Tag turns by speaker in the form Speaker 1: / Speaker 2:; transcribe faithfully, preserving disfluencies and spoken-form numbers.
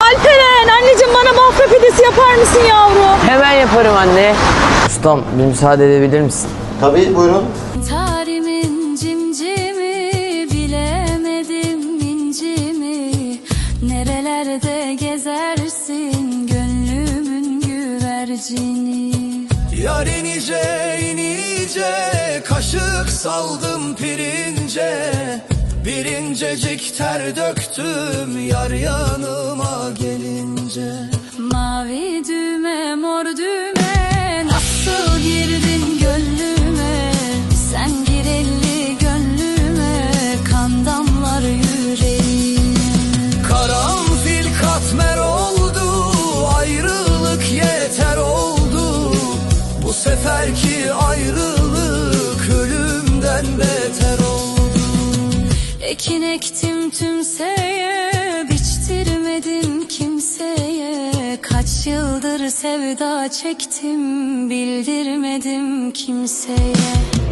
Speaker 1: Alperen, anneciğim bana bafra pidesi yapar mısın yavrum?
Speaker 2: Hemen yaparım anne. Ustam bir müsaade edebilir misin?
Speaker 3: Tabii buyurun.
Speaker 4: Tarimin cimcimi, bilemedim incimi. Nerelerde gezersin gönlümün güvercini.
Speaker 5: Yar inice inice, kaşık saldım pirince. Bir incecik ter döktüm yar yanıma gelince.
Speaker 4: Mavi düğme mor düğme, nasıl girdin gönlüme? Sen gir elli gönlüme, kan damlar yüreğime.
Speaker 5: Karanfil katmer oldu, ayrılık yeter oldu. Bu seferki ayrılık ölümden beter oldu.
Speaker 4: Ekin ektim tümseye, biçtirmedim kimseye. Kaç yıldır sevda çektim, bildirmedim kimseye.